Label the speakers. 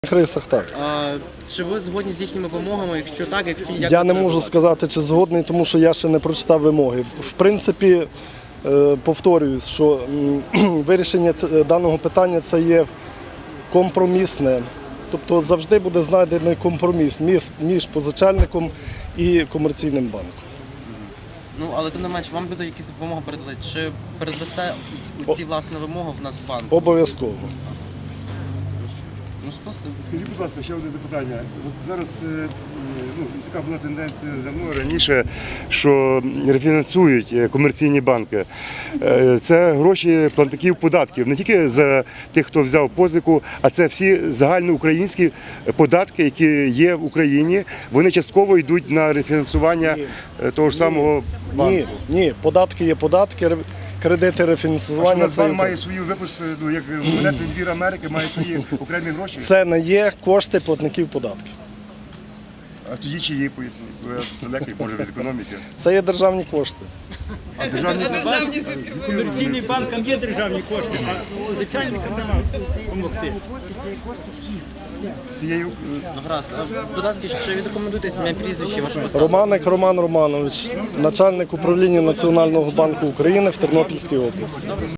Speaker 1: Рисах так.
Speaker 2: Чи ви згодні з їхніми вимогами? Якщо так, як
Speaker 1: Я не можу сказати, чи згодний, тому що я ще не прочитав вимоги. В принципі, повторююсь, що вирішення даного питання це є компромісне. Тобто завжди буде знайдений компроміс між позичальником і комерційним банком.
Speaker 2: Ну, але тим не менше, вам буде якісь вимоги передали? Чи передасте ці власні вимоги в Нацбанк?
Speaker 1: Обов'язково.
Speaker 2: Ну, спасибо.
Speaker 3: Скажіть, будь ласка, ще одне запитання. От зараз така була тенденція давно раніше, що рефінансують комерційні банки. Це гроші платників податків, не тільки за тих, хто взяв позику, а це всі загальноукраїнські податки, які є в Україні. Вони частково йдуть на рефінансування того ж самого банку.
Speaker 1: Ні, податки є податки. Кредити рефінансування.
Speaker 3: Нацбанк має свою випуск, як монетний двір Америки, має свої окремі гроші.
Speaker 1: Це не є кошти платників податків.
Speaker 3: А тоді чи є, поясніть? Я далекий, може, від економіки.
Speaker 1: Це є державні кошти.
Speaker 3: А державні
Speaker 4: Комерційним банкам є державні кошти, а звичайникам треба допомогти.
Speaker 3: всією...
Speaker 2: Ну, гаразд. Будь ласка, ще відрекомендуйте ім'я, прізвище, вашу посаду.
Speaker 1: Романик Роман Романович, начальник управління Національного банку України в Тернопільській області.